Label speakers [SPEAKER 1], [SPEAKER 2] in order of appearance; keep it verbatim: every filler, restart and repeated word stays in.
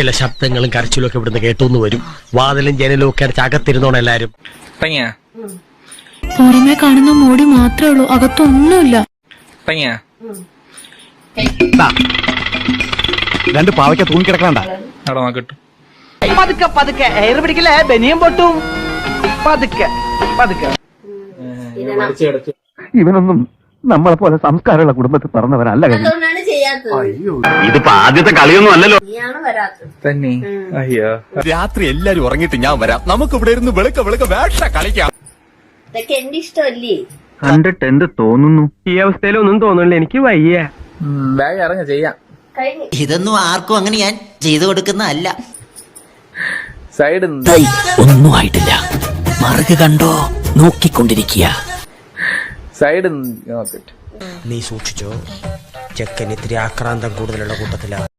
[SPEAKER 1] ചില ശബ്ദങ്ങളും കരച്ചിലും ഒക്കെ ഇവിടുന്ന് കേട്ടോന്ന് വരും. വാതിലും ജനലും ഒക്കെ അടച്ച് അകത്തിരുന്നോണം എല്ലാരും.
[SPEAKER 2] പുറമെ കാണുന്ന മോടി മാത്രമേ ഉള്ളൂ, അകത്തൊന്നുമില്ല.
[SPEAKER 3] രണ്ട് പാവയ്ക്ക തൂങ്ങിക്കിടക്കണ്ട.
[SPEAKER 4] പതുക്കെ പതുക്കെ എയർ പിടിക്കലേ, ബനിയം പൊട്ടും. പതുക്കെ പതുക്കെ.
[SPEAKER 3] ഇവനൊന്നും നമ്മളെ പോലെ സംസ്കാരമുള്ള കുടുംബത്തിൽ പറഞ്ഞവരല്ല.
[SPEAKER 5] ഇതിപ്പോ ആദ്യത്തെ കളിയൊന്നും അല്ലല്ലോ.
[SPEAKER 6] തന്നെ അയ്യോ,
[SPEAKER 3] രാത്രി എല്ലാരും ഉറങ്ങിയിട്ട് ഞാൻ വരാം, നമുക്ക് ഇവിടെ ഇരുന്ന് വെളുക്ക വെളുക്ക വേഷ കളിക്കാം.
[SPEAKER 7] ഇതൊക്കെ എന്റെ ഇഷ്ടമല്ലേ?
[SPEAKER 5] കണ്ടിട്ട് എന്ത് തോന്നുന്നു?
[SPEAKER 1] ഈ അവസ്ഥയിലൊന്നും തോന്നുന്നില്ല, എനിക്ക് വയ്യ.
[SPEAKER 6] ബാഗ് ഇറങ്ങ ചെയ്യാം.
[SPEAKER 8] ഇതൊന്നും ആർക്കും അങ്ങനെ ഞാൻ ചെയ്തു കൊടുക്കുന്നതല്ല.
[SPEAKER 6] സൈഡ്
[SPEAKER 8] ഒന്നും ആയിട്ടില്ല, മറുക കണ്ടോ നോക്കിക്കൊണ്ടിരിക്കുക.
[SPEAKER 6] സൈഡ് നോക്കട്ടെ.
[SPEAKER 1] നീ സൂക്ഷിച്ചോ, ചെക്കൻ ഇത്തിരി ആക്രാന്തം കൂടുതലുള്ള കൂട്ടത്തിലാണ്.